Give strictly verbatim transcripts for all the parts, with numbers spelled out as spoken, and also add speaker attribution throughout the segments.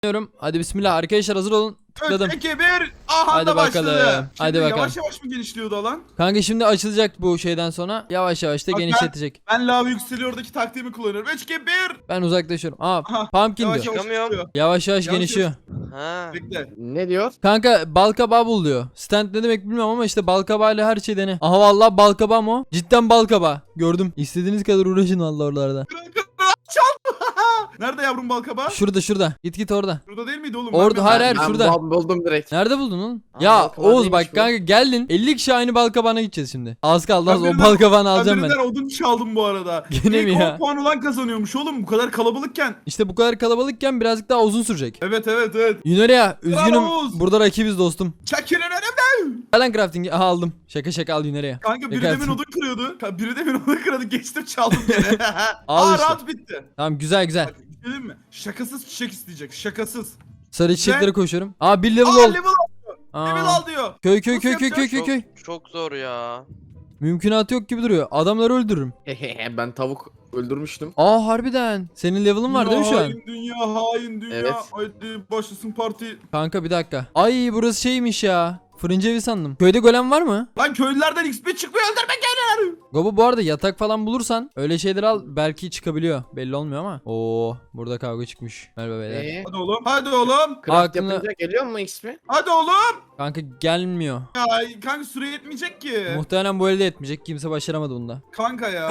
Speaker 1: Diyorum. Hadi bismillah arkadaşlar, hazır olun. Tıkladım.
Speaker 2: üç, iki, bir. Aha
Speaker 1: Hadi
Speaker 2: da başladı.
Speaker 1: bakalım.
Speaker 2: Şimdi
Speaker 1: Hadi bakalım.
Speaker 2: Yavaş yavaş mı genişliyordu alan?
Speaker 1: Kanka şimdi açılacak bu şeyden sonra. Yavaş yavaş da
Speaker 2: Bak ben-
Speaker 1: genişletecek.
Speaker 2: Ben lav yükseliyordaki taktiğimi kullanıyorum. üç, iki, bir.
Speaker 1: Ben uzaklaşıyorum. Aa,
Speaker 2: Aha,
Speaker 1: pumpkin
Speaker 2: Yavaş
Speaker 1: diyor.
Speaker 2: yavaş
Speaker 3: Çıkamıyorum.
Speaker 2: çıkıyor.
Speaker 1: Yavaş yavaş
Speaker 2: Yavaş
Speaker 1: genişliyor.
Speaker 3: Ha.
Speaker 2: Bekle.
Speaker 4: Ne diyor?
Speaker 1: Kanka bal kabağı bul diyor. Stand ne demek bilmiyorum ama işte bal kabağıyla her şey dene. Aha vallahi bal kabağı mı o? Cidden bal kabağı. Gördüm. İstediğiniz kadar uğraşın vallahi oralarda.
Speaker 2: Çal. Nerede yavrum balkabağı?
Speaker 1: Şurada şurada. Git git orada.
Speaker 2: Şurada değil miydi oğlum?
Speaker 1: Orada,
Speaker 2: Ben
Speaker 1: hayır,
Speaker 2: bir-
Speaker 1: hayır,
Speaker 4: Ben
Speaker 1: şurada.
Speaker 4: bul- buldum direkt.
Speaker 1: Nerede buldun oğlum?
Speaker 4: Aa,
Speaker 1: Ya
Speaker 4: bal kabağı
Speaker 1: Oğuz
Speaker 4: değilmiş
Speaker 1: bak
Speaker 4: bu.
Speaker 1: kanka geldin. elli kişi aynı bal kabağına gideceğiz şimdi. Az kaldı
Speaker 2: Ben
Speaker 1: az o
Speaker 2: birinden-
Speaker 1: bal kabağını
Speaker 2: Ben
Speaker 1: alacağım ben.
Speaker 2: birinden odun çaldım bu arada.
Speaker 1: Gene mi
Speaker 2: İlk
Speaker 1: ya?
Speaker 2: on puan olan kazanıyormuş oğlum bu kadar kalabalıkken.
Speaker 1: İşte bu kadar kalabalıkken birazcık daha uzun sürecek.
Speaker 2: Evet evet evet.
Speaker 1: Yunaria üzgünüm.
Speaker 2: Oğuz.
Speaker 1: Burada rakibiz dostum.
Speaker 2: Çekilin önümden.
Speaker 1: Gelen crafting'i aha aldım. Şaka şaka al Yunaria.
Speaker 2: Kanka biri
Speaker 1: Dikkat.
Speaker 2: demin odun kırıyordu. Ka- Biri demin odun kırıyordu. Geçtim çaldım gene.
Speaker 1: Al
Speaker 2: Aa
Speaker 1: işte.
Speaker 2: rahat bitti.
Speaker 1: Tamam güzel güzel.
Speaker 2: Bak bir şey diyeyim mi? Şakasız çiçek isteyecek. Şakasız.
Speaker 1: Sarı çiçeklere koşuyorum. Aa bir level
Speaker 2: Aa
Speaker 1: ol.
Speaker 2: level al. Level
Speaker 1: Aa.
Speaker 2: al diyor.
Speaker 1: Köy köy
Speaker 2: Nasıl
Speaker 1: köy köy köy
Speaker 2: yapacağız?
Speaker 1: köy
Speaker 3: Çok,
Speaker 1: köy.
Speaker 3: çok zor ya.
Speaker 1: Mümkünatı yok gibi duruyor. Adamları öldürürüm.
Speaker 4: Ben tavuk öldürmüştüm.
Speaker 1: Aa harbiden. Senin level'ın var değil mi şu an?
Speaker 2: Hain dünya, hain dünya.
Speaker 4: Evet.
Speaker 2: Haydi başlasın parti.
Speaker 1: Kanka bir dakika. Ay burası şeymiş ya. Fırıncı evi sandım. Köyde golem var mı?
Speaker 2: Lan köylülerden X P çıkmıyor öldürme geliyor.
Speaker 1: Gobo bu arada yatak falan bulursan öyle şeyler al, belki çıkabiliyor. Belli olmuyor ama. Oo burada kavga çıkmış. Merhaba beyler.
Speaker 4: Ee,
Speaker 2: Hadi oğlum. Hadi oğlum.
Speaker 4: craft
Speaker 1: Aklına-
Speaker 4: yapınca geliyor mu X P?
Speaker 2: Hadi oğlum.
Speaker 1: Kanka gelmiyor.
Speaker 2: Ya kanka süre yetmeyecek ki.
Speaker 1: Muhtemelen bu elde etmeyecek. Kimse başaramadı bunda.
Speaker 2: Kanka ya.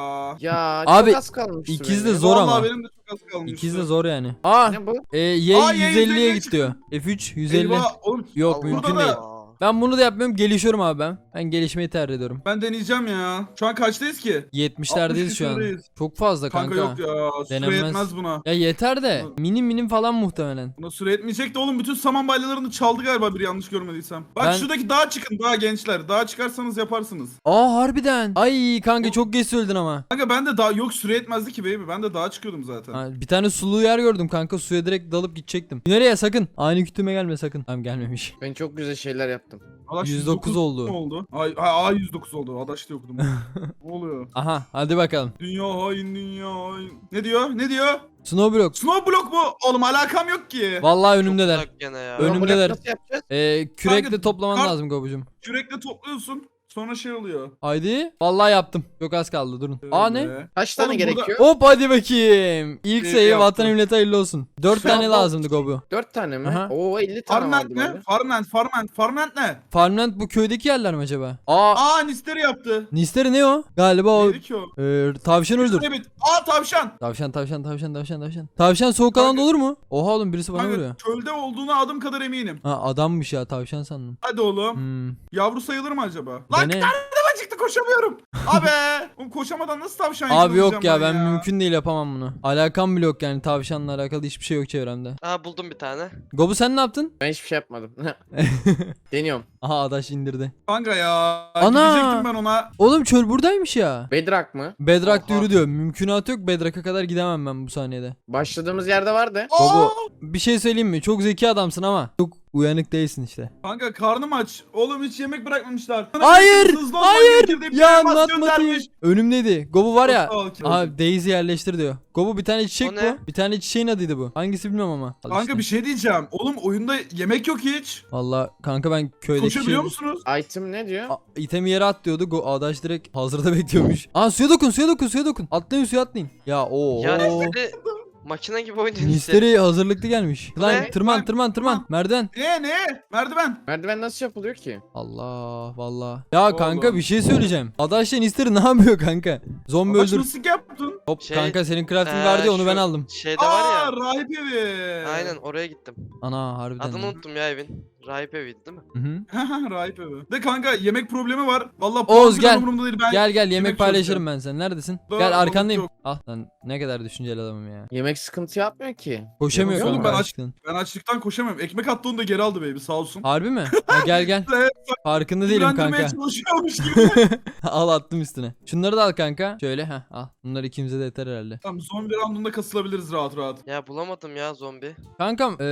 Speaker 4: Ya
Speaker 1: Abi,
Speaker 4: çok az kalmıştı
Speaker 1: ikiz
Speaker 4: benim.
Speaker 1: de zor
Speaker 2: Vallahi
Speaker 1: ama.
Speaker 2: benim de çok az kalmıştı.
Speaker 1: İkiz de zor yani. Aa
Speaker 4: Ne bu?
Speaker 1: e, Y
Speaker 2: Aa, Y
Speaker 1: yüz elliye
Speaker 2: yüz elliye
Speaker 1: git diyor. F üç yüz elli.
Speaker 2: Eyvah oğlum.
Speaker 1: Yok
Speaker 3: Allah
Speaker 1: mümkün
Speaker 2: Burada
Speaker 1: değil.
Speaker 2: da-
Speaker 1: Ben bunu da yapmıyorum. Gelişiyorum abi ben. Ben gelişmeyi tercih ediyorum.
Speaker 2: Ben deneyeceğim ya. Şu an kaçtayız ki?
Speaker 1: yetmişlerdeyiz şu an.
Speaker 2: küsurdayız.
Speaker 1: Çok fazla
Speaker 2: Kanka,
Speaker 1: kanka.
Speaker 2: yok ya. Süre
Speaker 1: Denemez.
Speaker 2: yetmez buna.
Speaker 1: Ya yeter de minim minim falan muhtemelen.
Speaker 2: Buna süre yetmeyecek de oğlum bütün saman balyalarını çaldı galiba bir yanlış görmediysem. Bak
Speaker 1: Ben-
Speaker 2: şuradaki dağa çıkın dağa gençler. Dağa çıkarsanız yaparsınız.
Speaker 1: Aa harbiden. Ay kanka çok geç söyledin ama.
Speaker 2: Kanka ben de daha yok süre yetmezdi ki baby. Ben de dağa çıkıyordum zaten.
Speaker 1: Ha, bir tane sulu yer gördüm kanka, suya direkt dalıp gidecektim. Nereye sakın? Aynı kütüme gelme sakın. Tamam gelmemiş.
Speaker 4: Ben çok güzel şeyler yaptım.
Speaker 2: Adaş
Speaker 1: yüz dokuz
Speaker 2: mu
Speaker 1: oldu.
Speaker 2: oldu? Ay, ay, ay yüz dokuz oldu. Adaş diye okudum. Ne oluyor?
Speaker 1: Aha hadi bakalım.
Speaker 2: Dünya hain dünya hain. Ne diyor? Ne diyor?
Speaker 1: Snowblock.
Speaker 2: Snow block mu? Oğlum alakam yok ki.
Speaker 1: Vallahi
Speaker 3: Çok
Speaker 1: önümdeler.
Speaker 3: uzak gene ya.
Speaker 1: Önüm-
Speaker 4: Ama
Speaker 1: Önümdeler.
Speaker 4: Nasıl yapacağız?
Speaker 1: Ee, kürekle
Speaker 2: Kanka,
Speaker 1: toplaman
Speaker 2: kar-
Speaker 1: lazım Gobucum.
Speaker 2: Kürekle topluyorsun. Sonra şey oluyor.
Speaker 1: Haydi. Vallahi yaptım. Çok az kaldı durun. Aa ne?
Speaker 2: Öyle.
Speaker 4: Kaç tane
Speaker 2: Oğlum burada-
Speaker 4: gerekiyor?
Speaker 1: Hop hadi bakayım. İlk
Speaker 2: İyi
Speaker 1: sayı
Speaker 2: yaptın.
Speaker 1: vatan millete hayırlı olsun. Dört
Speaker 2: Şu
Speaker 1: tane
Speaker 2: an-
Speaker 1: lazımdı Gobu.
Speaker 4: dört tane mi?
Speaker 1: Aha.
Speaker 4: Oo elli tane
Speaker 2: Farmland
Speaker 4: vardı
Speaker 2: ne?
Speaker 4: bende.
Speaker 2: Farmland, Farmland, Farmland ne?
Speaker 1: Farmland bu köydeki yerler mi acaba? Aa.
Speaker 2: Aa Nisteri yaptı.
Speaker 1: Nisteri ne o? Galiba o
Speaker 2: Neydi ki o?
Speaker 1: e, tavşan öldür.
Speaker 2: Evet. Aa tavşan.
Speaker 1: Tavşan tavşan tavşan tavşan tavşan. Tavşan soğuk alanda olur mu? Oha oğlum birisi bana vuruyor.
Speaker 2: Kanka çölde olduğuna adım kadar eminim.
Speaker 1: Ha adammış ya, tavşan sandım.
Speaker 2: Hadi oğlum.
Speaker 1: Hmm.
Speaker 2: Yavru sayılır mı acaba? Lan
Speaker 1: Dene.
Speaker 2: karnıma çıktı koşamıyorum. Abi. Oğlum koşamadan nasıl tavşan
Speaker 1: Abi yok ya,
Speaker 2: yakalayacağım
Speaker 1: ben mümkün değil yapamam bunu. Alakam bile yok yani, tavşanla alakalı hiçbir şey yok çevremde.
Speaker 3: Aa buldum bir tane.
Speaker 1: Gobu sen ne yaptın?
Speaker 4: Ben hiçbir şey yapmadım. Deniyorum.
Speaker 1: Aha adaş indirdi.
Speaker 2: Kanka ya.
Speaker 1: Ana!
Speaker 2: Gidecektim ben ona.
Speaker 1: Oğlum çöl buradaymış ya.
Speaker 4: Bedrock mı?
Speaker 1: Bedrock
Speaker 3: Oha.
Speaker 1: yürü diyor. Mümkünatı yok, Bedrock'a kadar gidemem ben bu saniyede.
Speaker 4: Başladığımız yerde vardı.
Speaker 1: Gobu
Speaker 2: Aa!
Speaker 1: bir şey söyleyeyim mi? Çok zeki adamsın ama çok uyanık değilsin işte.
Speaker 2: Kanka karnım aç. Oğlum hiç yemek bırakmamışlar.
Speaker 1: Hayır!
Speaker 2: Hızlı olman
Speaker 1: Hayır!
Speaker 2: gerekir diye bir
Speaker 1: Ya
Speaker 2: elmas
Speaker 1: anlatmadı.
Speaker 2: göndermiş.
Speaker 1: Önümdeydi. Gobu var ya.
Speaker 2: Çok sağ ol ki.
Speaker 1: Aha Daisy yerleştir diyor. Gobu bir tane çiçek
Speaker 3: O ne?
Speaker 1: bu. Bir tane çiçeğin adıydı bu. Hangisi bilmiyorum ama. Al
Speaker 2: Kanka
Speaker 1: işte.
Speaker 2: bir şey diyeceğim. Oğlum oyunda yemek yok hiç.
Speaker 1: Valla kanka ben köydeki
Speaker 2: Koşabiliyor
Speaker 1: şey...
Speaker 2: musunuz?
Speaker 4: Item ne diyor?
Speaker 1: A- itemi yere at diyordu. Go Adaş direkt hazırda bekliyormuş. Aa suya dokun, suya dokun, suya dokun. Atlayın suya atlayın. Ya o.
Speaker 3: Ya Nisteri makine gibi oynuyor Nisteri.
Speaker 1: Misteri hazırlıklı gelmiş. Lan
Speaker 3: Ne?
Speaker 1: tırman
Speaker 2: Lan,
Speaker 1: tırman tırman.
Speaker 2: tırman.
Speaker 1: Merdiven.
Speaker 2: Ne ne? Merdiven.
Speaker 4: Merdiven nasıl yapılıyor ki?
Speaker 1: Allah valla. Ya
Speaker 2: Oğlum.
Speaker 1: kanka bir şey söyleyeceğim. Adaşla Misteri ne yapıyor kanka? Zombi
Speaker 2: Adaş
Speaker 1: öldür.
Speaker 2: nasıl yaptın?
Speaker 1: Hop
Speaker 3: Şey,
Speaker 1: kanka senin crafting
Speaker 3: Ee,
Speaker 1: vardı ya onu
Speaker 3: şu
Speaker 1: ben aldım.
Speaker 3: Şeyde var
Speaker 2: Aa
Speaker 3: ya.
Speaker 2: rahip evi.
Speaker 3: Aynen oraya gittim.
Speaker 1: Ana harbiden.
Speaker 3: Adını
Speaker 1: lan.
Speaker 3: unuttum ya evin. Rahip eviydi değil mi?
Speaker 1: Hı hı.
Speaker 2: rahip evi. De kanka yemek problemi var. Vallahi
Speaker 1: Oğuz,
Speaker 2: puan
Speaker 1: gel.
Speaker 2: umurumda değil. Ben
Speaker 1: Gel gel yemek
Speaker 2: yemek
Speaker 1: paylaşırım
Speaker 2: çözeceğim.
Speaker 1: ben sen. Neredesin?
Speaker 2: Daha
Speaker 1: Gel
Speaker 2: balık
Speaker 1: arkandayım.
Speaker 2: yok.
Speaker 1: Ah lan ne kadar düşünceli adamım ya.
Speaker 4: Yemek sıkıntı yapmıyor ki.
Speaker 1: Koşamıyor
Speaker 2: Oğlum,
Speaker 1: kanka
Speaker 2: ben aç-
Speaker 1: açlıktan.
Speaker 2: Ben açlıktan koşamıyorum. Ekmek attı onu da geri aldı baby sağ olsun.
Speaker 1: Harbi mi? Ha, gel gel.
Speaker 2: Evet,
Speaker 1: Farkında değilim
Speaker 2: Güvendirmeye
Speaker 1: kanka.
Speaker 2: çalışıyormuş gibi.
Speaker 1: Al attım üstüne. Şunları da al kanka. Şöyle ha al. Bunlar ikimize de yeter herhalde.
Speaker 2: Tamam zombi roundunda kasılabiliriz rahat rahat.
Speaker 3: Ya bulamadım ya zombi.
Speaker 1: Kankam eee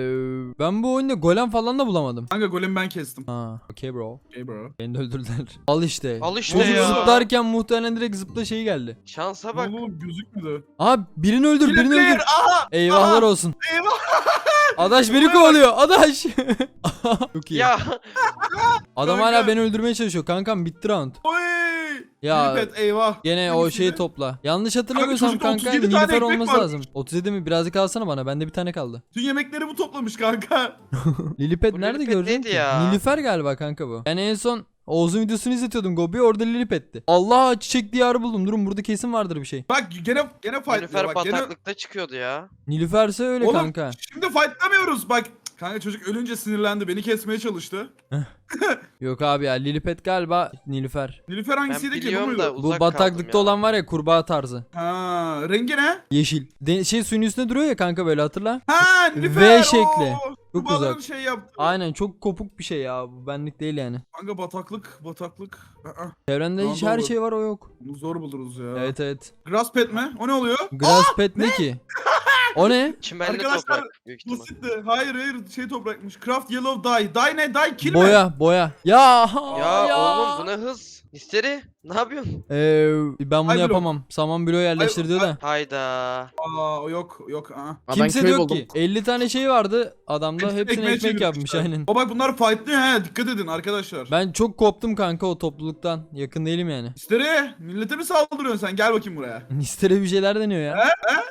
Speaker 1: ben bu oyunda golem falan da bulamadım.
Speaker 2: Kanka golemi ben kestim.
Speaker 1: Ha, okay bro.
Speaker 2: Okay bro.
Speaker 1: Beni de öldürdüler. Al işte.
Speaker 3: Al işte
Speaker 1: Bozuk
Speaker 3: ya.
Speaker 1: zıplarken muhtemelen direkt zıpla şeyi geldi.
Speaker 3: Şansa
Speaker 2: Ne
Speaker 3: bak.
Speaker 2: oldu oğlum gözükmüyor.
Speaker 1: Aa birini öldür, birini
Speaker 2: Player,
Speaker 1: öldür.
Speaker 2: aha!
Speaker 1: Eyvahlar
Speaker 2: aha!
Speaker 1: olsun.
Speaker 2: Eyvah!
Speaker 1: Adaş beni kovalıyor. Adaş. Çok iyi.
Speaker 3: Ya
Speaker 1: Adam
Speaker 2: Kanka.
Speaker 1: hala beni öldürmeye çalışıyor. Kankam bitti round.
Speaker 2: Oy.
Speaker 1: Ya
Speaker 2: Lilipet, eyvah.
Speaker 1: gene o
Speaker 2: Hangisiydi?
Speaker 1: şeyi topla. Yanlış hatırlamıyorsam
Speaker 2: çocukta
Speaker 1: kanka
Speaker 2: otuz yedi tane
Speaker 1: Nilüfer
Speaker 2: ekmek
Speaker 1: olması
Speaker 2: varmış.
Speaker 1: lazım. otuz yedi mi? Birazcık alsana bana. Bende bir tane kaldı.
Speaker 2: Tüm yemekleri bu toplamış kanka.
Speaker 1: Lilipet
Speaker 3: Bu
Speaker 1: nerede
Speaker 3: Lilipet
Speaker 1: gördün
Speaker 3: neydi
Speaker 1: ki?
Speaker 3: ya?
Speaker 1: Nilüfer galiba kanka bu. Ben en son Oğuz'un videosunu izletiyordum Gobi, orada Lilipet'ti. Allah, çiçek diyarı buldum. Durun, burada kesin vardır bir şey.
Speaker 2: Bak gene gene fight
Speaker 3: Nilüfer
Speaker 2: bak gene.
Speaker 3: bataklıkta çıkıyordu ya.
Speaker 1: Nilüfer'se öyle
Speaker 2: Oğlum
Speaker 1: kanka.
Speaker 2: şimdi fightlamıyoruz bak. Kanka çocuk ölünce sinirlendi. Beni kesmeye çalıştı.
Speaker 1: Yok abi ya, Lilipet galiba Nilüfer.
Speaker 2: Nilüfer
Speaker 3: Ben
Speaker 2: hangisiydi ki? Bu
Speaker 3: biliyorum
Speaker 2: muydu?
Speaker 3: da
Speaker 1: Bu
Speaker 3: uzak
Speaker 1: bataklıkta
Speaker 3: kaldım ya.
Speaker 1: olan var ya, kurbağa tarzı.
Speaker 2: Ha, rengi ne?
Speaker 1: Yeşil. De- şey suyun üstünde duruyor ya kanka, böyle hatırla.
Speaker 2: Ha, Nilüfer.
Speaker 1: V şekli.
Speaker 2: Oo,
Speaker 1: Çok
Speaker 2: bu balığın
Speaker 1: uzak.
Speaker 2: şey yaptı.
Speaker 1: Aynen, çok kopuk bir şey ya, bu benlik değil yani.
Speaker 2: Kanka bataklık, bataklık. Aa,
Speaker 1: Çevrende
Speaker 2: Tamam,
Speaker 1: hiç her
Speaker 2: olur.
Speaker 1: şey var, o yok.
Speaker 2: bunu zor buluruz ya.
Speaker 1: Evet evet.
Speaker 2: Grass pet mi? O ne oluyor?
Speaker 1: Grass pet ne ki? O ne?
Speaker 3: Çimenli
Speaker 2: Arkadaşlar,
Speaker 3: toprak büyük ihtimal.
Speaker 2: Basitti. Hayır hayır şey toprakmış. Craft yellow dye. Dye ne? Dye kill mi?
Speaker 1: Boya boya. Ya
Speaker 3: Ya, oğlum bu ne hız? Misteri ne yapıyorsun?
Speaker 1: Ee, ben bunu
Speaker 2: Ay, blok.
Speaker 1: yapamam. Saman bloğu yerleştir diyor da.
Speaker 3: Hayda.
Speaker 2: Aa o yok yok. Aa.
Speaker 4: Aa, ben
Speaker 1: Kimse de
Speaker 4: köy
Speaker 1: yok
Speaker 4: buldum.
Speaker 1: ki. elli tane şey vardı adamda,
Speaker 2: Hepsini
Speaker 1: hepsini
Speaker 2: ekmeğe
Speaker 1: ekmek yapmış
Speaker 2: çevirmişler.
Speaker 1: aynen.
Speaker 2: O bak bunlar fightlıyor he. Dikkat edin arkadaşlar.
Speaker 1: Ben çok koptum kanka o topluluktan. Yakın değilim yani.
Speaker 2: İsteri millete mi saldırıyorsun sen? Gel bakayım buraya.
Speaker 1: Nistere bir şeyler deniyor ya.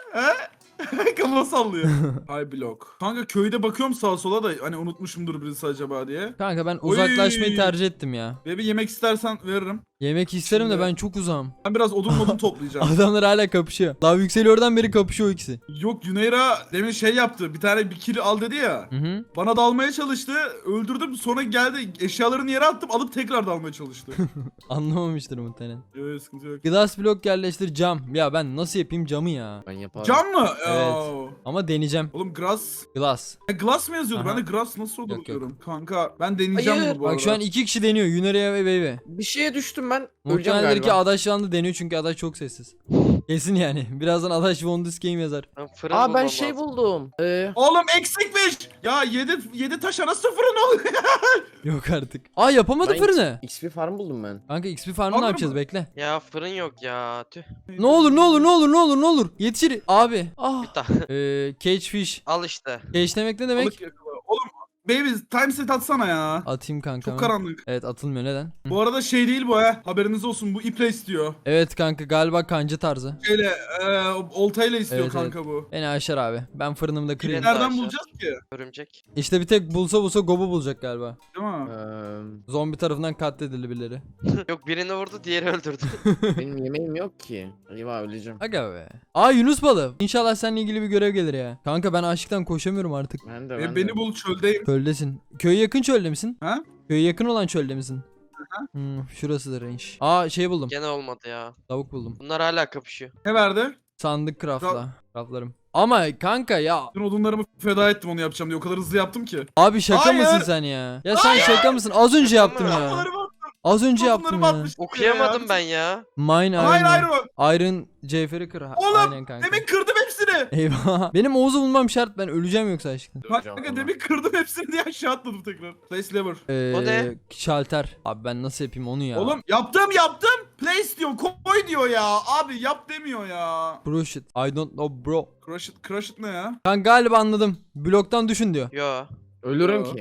Speaker 2: Kafa sallıyor. Hay blok. Kanka köyde bakıyorum sağa sola da hani unutmuşumdur birisi acaba diye.
Speaker 1: Kanka ben
Speaker 2: Oy.
Speaker 1: uzaklaşmayı tercih ettim ya.
Speaker 2: Ve bir yemek istersen veririm.
Speaker 1: Yemek isterim de
Speaker 2: Şimdi-
Speaker 1: ben çok uzağım.
Speaker 2: Ben biraz odun modun toplayacağım.
Speaker 1: Adamlar hala kapışıyor. Daha yükseliyordan beri kapışıyor o ikisi.
Speaker 2: Yok Yuneyra demin şey yaptı. Bir tane bir kill al dedi ya.
Speaker 1: Hı hı.
Speaker 2: Bana dalmaya çalıştı. Öldürdüm. Sonra geldi eşyalarını yere attım. Alıp tekrar dalmaya çalıştı.
Speaker 1: Anlamamıştır muhtemelen.
Speaker 2: Yok sıkıntı yok.
Speaker 1: Glass blok yerleştir, cam. Ya ben nasıl yapayım camı ya?
Speaker 4: Ben yaparım.
Speaker 2: Cam mı?
Speaker 1: Evet.
Speaker 2: Oo.
Speaker 1: Ama deneyeceğim.
Speaker 2: Oğlum grass.
Speaker 1: Glass.
Speaker 2: E, glass mı yazıyordu?
Speaker 1: Aha.
Speaker 2: Ben de grass nasıl olur
Speaker 1: Yok, yok.
Speaker 2: diyorum. Kanka ben deneyeceğim
Speaker 4: Hayır.
Speaker 2: bunu bu arada.
Speaker 1: Bak şu an iki kişi deniyor. Yunaria ve Baby.
Speaker 4: Bir şeye düştüm ben. Öleceğim
Speaker 1: Muhtemelendir
Speaker 4: galiba.
Speaker 1: ki Adaş şu anda deniyor çünkü Adaş çok sessiz. Kesin yani. Birazdan Adaş Von This Game yazar.
Speaker 3: Ben fırın
Speaker 4: Aa ben
Speaker 3: bulmam
Speaker 4: şey
Speaker 3: lazım.
Speaker 4: buldum. Ee,
Speaker 2: Oğlum eksikmiş. Ya yedi yedi taş arası fırın oluyor.
Speaker 1: Yok artık. Aa yapamadı
Speaker 4: Ben-
Speaker 1: fırını.
Speaker 4: X P farm buldum ben.
Speaker 1: Kanka X P farmı
Speaker 2: Olur
Speaker 1: ne yapacağız,
Speaker 2: mu?
Speaker 1: bekle.
Speaker 3: Ya fırın yok ya. Tüh.
Speaker 1: Ne olur ne olur ne olur ne olur ne olur. Yetişir. Abi. Ah.
Speaker 3: Bir daha.
Speaker 1: Ee, cage fish.
Speaker 3: Al işte.
Speaker 1: Cage demek ne demek?
Speaker 2: Balık yakala. Oğlum baby time set atsana ya.
Speaker 1: Atayım kanka.
Speaker 2: Çok karanlık.
Speaker 1: Evet, atılmıyor, neden? Hı.
Speaker 2: Bu arada şey değil bu ha. Haberiniz olsun bu iple istiyor.
Speaker 1: Evet kanka, galiba kancı tarzı.
Speaker 2: Şeyle e, oltayla istiyor
Speaker 1: Evet,
Speaker 2: kanka bu.
Speaker 1: Beni aşar abi. Ben fırınımda kırayım.
Speaker 3: Yine-
Speaker 2: Nereden
Speaker 3: aşağı.
Speaker 2: bulacağız ki?
Speaker 3: Örümcek.
Speaker 1: İşte bir tek bulsa bulsa Gobu bulacak galiba.
Speaker 2: Değil mi?
Speaker 4: Ee,
Speaker 1: Zombi tarafından katledildi birileri.
Speaker 3: Yok birini vurdu diğeri öldürdü.
Speaker 4: benim yemeğim yok ki. Eyvah öleceğim.
Speaker 1: Aga be. Aa Yunus balığı. İnşallah seninle ilgili bir görev gelir ya. Kanka ben açlıktan koşamıyorum artık.
Speaker 4: Ben de ben
Speaker 2: E,
Speaker 4: de.
Speaker 2: beni bul çöldeyim.
Speaker 1: Çöldesin. Köye yakın çölde misin?
Speaker 2: Ha?
Speaker 1: Köye yakın olan çölde misin? Hmm, şurasıdır range. Aa şey buldum.
Speaker 3: Gene olmadı ya.
Speaker 1: Tavuk buldum.
Speaker 3: Bunlar hala kapışıyor.
Speaker 2: Ne verdi?
Speaker 1: Sandık craftla. Craftlarım. Ama kanka ya.
Speaker 2: Dün odunlarımı feda ettim onu yapacağım diye. O kadar hızlı yaptım ki.
Speaker 1: Abi şaka
Speaker 2: Hayır.
Speaker 1: mısın sen ya? Ya sen şaka mısın? Az önce yaptım ya.
Speaker 2: Odunlarımı attım.
Speaker 1: Az önce yaptım
Speaker 2: Odunlarımı
Speaker 1: ya.
Speaker 2: atmıştım
Speaker 3: Okuyamadım
Speaker 2: ya.
Speaker 3: ben ya.
Speaker 1: Mine
Speaker 2: Hayır hayır
Speaker 1: iron.
Speaker 2: o.
Speaker 1: Iron Cevheri kır.
Speaker 2: Oğlum,
Speaker 1: Aynen kanka.
Speaker 2: Demin kırdım hepsini.
Speaker 1: Eyvah. Benim Oğuz'u bulmam şart. Ben öleceğim yoksa aşkına.
Speaker 4: Öleceğim
Speaker 2: Kanka
Speaker 4: ama.
Speaker 2: demin kırdım hepsini diye aşağı atladım tekrar. Place lever.
Speaker 1: Ee,
Speaker 3: O ne?
Speaker 1: Şalter. Abi ben nasıl yapayım onu ya?
Speaker 2: Oğlum yaptım yaptım. Place diyor koy diyor ya. Abi yap demiyor ya.
Speaker 1: Crush it. I don't know bro.
Speaker 2: Crush it, crush it ne ya?
Speaker 1: Ben galiba anladım. Bloktan düşün diyor.
Speaker 3: Yo.
Speaker 4: Ölürüm
Speaker 2: Yo.
Speaker 4: ki.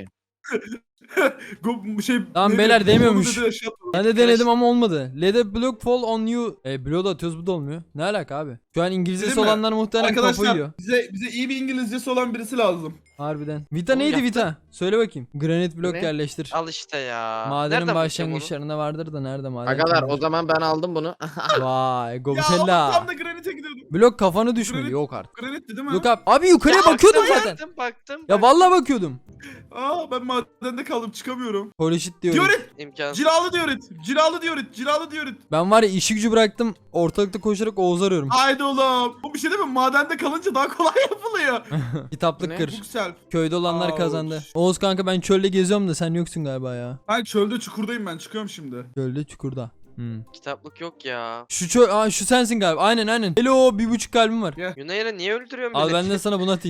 Speaker 2: Go- şey,
Speaker 1: Tamam
Speaker 2: neydi?
Speaker 1: beyler, demiyormuş.
Speaker 2: Onu dedi, aşağı atladım.
Speaker 1: Ben de denedim ama olmadı. Let a block fall on you. E bloğu da atıyoruz, bu da olmuyor. Ne alaka abi? Şu an İngilizcesi
Speaker 2: Değil mi?
Speaker 1: olanlar muhtemelen kafayı
Speaker 2: Arkadaşlar
Speaker 1: yiyor.
Speaker 2: bize, bize iyi bir İngilizcesi olan birisi lazım.
Speaker 1: Harbiden. Vita
Speaker 3: Oğlum
Speaker 1: neydi
Speaker 3: yaptı.
Speaker 1: Vita? Söyle bakayım. Granit blok
Speaker 4: Ne?
Speaker 1: yerleştir.
Speaker 3: Al işte ya.
Speaker 1: Madenin
Speaker 3: Nereden bulacağım onu?
Speaker 1: başlangıçlarında vardır da nerede maden?
Speaker 4: Agalar o zaman ben aldım bunu.
Speaker 1: Vay
Speaker 2: Ya oğlum
Speaker 1: Gobitella.
Speaker 2: tam da granite gidiyordum.
Speaker 1: Blok kafanı düşmedi.
Speaker 2: Granit-
Speaker 1: Yok artık.
Speaker 2: Granitti değil mi?
Speaker 1: Yok abi. Abi yukarıya
Speaker 3: Ya
Speaker 1: bakıyordum
Speaker 3: baktım,
Speaker 1: zaten.
Speaker 3: Baktım baktım.
Speaker 1: Ya vallahi bakıyordum.
Speaker 2: Aa ben madende kaldım çıkamıyorum.
Speaker 1: Polishit diyorum.
Speaker 2: Diorit!
Speaker 3: İmkansız.
Speaker 2: Cilalı diorit! Cilalı diorit! Cilalı diorit!
Speaker 1: Ben var ya işi gücü bıraktım. Ortalıkta koşarak Oğuz arıyorum.
Speaker 2: Haydi oğlum. Bu bir şey değil mi? Madende kalınca daha kolay yapılıyor.
Speaker 1: Kitaplık
Speaker 4: Ne?
Speaker 1: kır.
Speaker 2: Yüksel.
Speaker 1: Köyde olanlar
Speaker 2: Ouch.
Speaker 1: kazandı. Oğuz kanka ben çölde geziyorum da sen yoksun galiba ya.
Speaker 2: Ben çölde çukurdayım ben çıkıyorum şimdi.
Speaker 1: Çölde çukurda. Hmm.
Speaker 3: Kitaplık yok ya.
Speaker 1: Şu çöl, aa, şu sensin galiba. Aynen aynen. Hello, bir buçuk kalbim var.
Speaker 2: Gel.
Speaker 3: Yunayra niye öldürüyorsun
Speaker 1: Al
Speaker 3: milleti?
Speaker 1: ben de sana bunu atayım.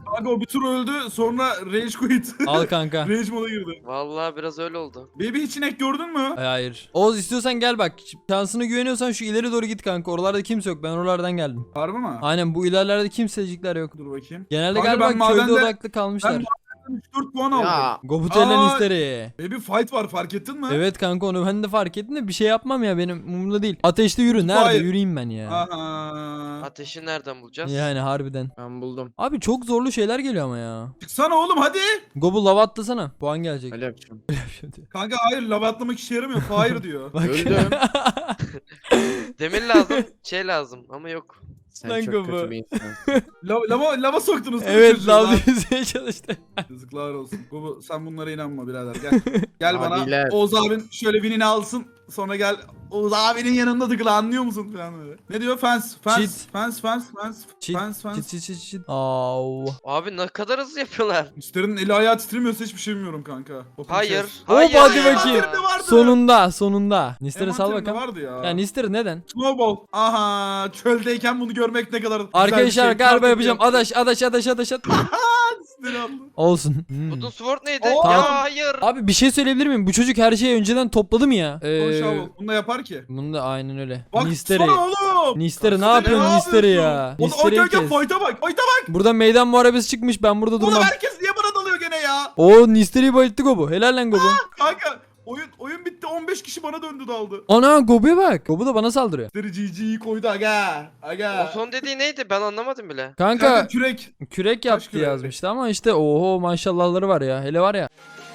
Speaker 2: Kanka o bir tur öldü sonra rage quit.
Speaker 1: Al kanka.
Speaker 2: Rage moda girdi.
Speaker 3: Vallahi biraz öyle oldu.
Speaker 2: Baby hiç inek gördün mü?
Speaker 1: Hayır. Oğuz istiyorsan gel bak. Şansına güveniyorsan şu ileri doğru git kanka. Oralarda kimse yok. Ben oralardan geldim.
Speaker 2: Harbi mi?
Speaker 1: Aynen bu ilerlerde kimsecikler yok.
Speaker 2: Dur bakayım.
Speaker 1: Genelde
Speaker 2: Kanka
Speaker 1: galiba
Speaker 2: ben
Speaker 1: köyde
Speaker 2: madende-
Speaker 1: odaklı kalmışlar.
Speaker 2: üç dört puan aldım.
Speaker 4: Ya
Speaker 1: Gobutellen
Speaker 2: Aa.
Speaker 1: isteri.
Speaker 2: Baby fight var fark ettin mi?
Speaker 1: Evet kanka onu ben de fark ettim de bir şey yapmam ya benim umurumda değil. Ateşte yürü. Nerede
Speaker 2: Hayır.
Speaker 1: yürüyeyim ben ya.
Speaker 2: Aha.
Speaker 3: Ateşi nereden bulacağız?
Speaker 1: Yani harbiden.
Speaker 4: ben buldum.
Speaker 1: Abi çok zorlu şeyler geliyor ama ya.
Speaker 2: Çıksana oğlum hadi.
Speaker 1: Gobu lava atlasana. Puan gelecek.
Speaker 4: Öyle yapacağım.
Speaker 2: Kanka hayır lava atlamak işe yaramıyor. Fire diyor.
Speaker 1: Bak.
Speaker 4: Öldüm.
Speaker 3: Demir lazım, şey lazım ama yok.
Speaker 4: Sen
Speaker 1: Lan
Speaker 4: çok
Speaker 1: Gobu.
Speaker 4: kötü bir insansın.
Speaker 2: lava, lava, lava soktunuz. değil mi
Speaker 1: Evet
Speaker 2: çocuğa?
Speaker 1: lava yüzmeye çalıştı.
Speaker 2: Yazıklar olsun. Gobu sen bunlara inanma birader gel. Gel bana.
Speaker 4: Abiler.
Speaker 2: Oğuz abin şöyle winini alsın. Sonra gel Oğuz abinin yanında tıkla anlıyor musun falan böyle. Ne diyor? Fans, fans,
Speaker 1: Cheat.
Speaker 2: fans, fans, fans,
Speaker 1: Cheat,
Speaker 2: fans, fans.
Speaker 1: Çit çit çit çit. Au.
Speaker 3: Abi ne kadar hızlı yapıyorlar.
Speaker 2: Mister'in eli ayağı titremiyorsa hiçbir şey bilmiyorum kanka. Open
Speaker 3: Hayır.
Speaker 2: chest.
Speaker 1: Hop,
Speaker 3: Hayır.
Speaker 1: hadi
Speaker 3: ya.
Speaker 1: bakayım.
Speaker 2: Envanterimde vardı.
Speaker 1: Sonunda sonunda. Nister'e sal
Speaker 2: Envanterimde
Speaker 1: bakalım.
Speaker 2: vardı ya.
Speaker 1: Ya Nister neden?
Speaker 2: Snowball. Aha çöldeyken bunu görmek ne kadar güzel bir
Speaker 1: Arkadaşlar
Speaker 2: şey.
Speaker 1: galiba
Speaker 2: Kartı
Speaker 1: yapacağım.
Speaker 2: diyor.
Speaker 1: Adaş adaş adaş adaş adaş.
Speaker 2: Nister'i aldı.
Speaker 1: Olsun. Hmm.
Speaker 3: Wooden Sword neydi?
Speaker 2: Oo.
Speaker 3: Ya hayır.
Speaker 1: Abi bir şey söyleyebilir miyim? Bu çocuk her şeyi önceden topladı mı ya?
Speaker 2: Ee...
Speaker 1: Ee,
Speaker 2: Bunu da yapar ki.
Speaker 1: bunu da aynen öyle.
Speaker 2: Bak
Speaker 1: Nister'i.
Speaker 2: sana oğlum.
Speaker 1: Nister'i ne
Speaker 2: Baksana,
Speaker 1: yapıyorsun Nister'i ya?
Speaker 2: yapıyorsun? Oğlum
Speaker 1: Nister'i
Speaker 2: gel gel
Speaker 1: kes.
Speaker 2: fight'a bak. Fight'a bak.
Speaker 1: Burada meydan muharebesi çıkmış ben burada
Speaker 2: Oğlum
Speaker 1: durmam.
Speaker 2: herkes niye bana dalıyor gene ya?
Speaker 1: Oo Nister'i bayılttı Gobu. Helal lan Gobu.
Speaker 2: Kanka oyun oyun bitti on beş kişi bana döndü daldı.
Speaker 1: Ana Gobu'ya bak. Gobu da bana saldırıyor.
Speaker 2: Nister'i G G'yi koydu aga. Aga.
Speaker 3: O son dediği neydi? Ben anlamadım bile.
Speaker 2: Kanka
Speaker 1: Kanka
Speaker 2: kürek.
Speaker 1: kürek yaptı
Speaker 2: küreği?
Speaker 1: yazmıştı ama işte oho maşallahları var ya. Hele var ya.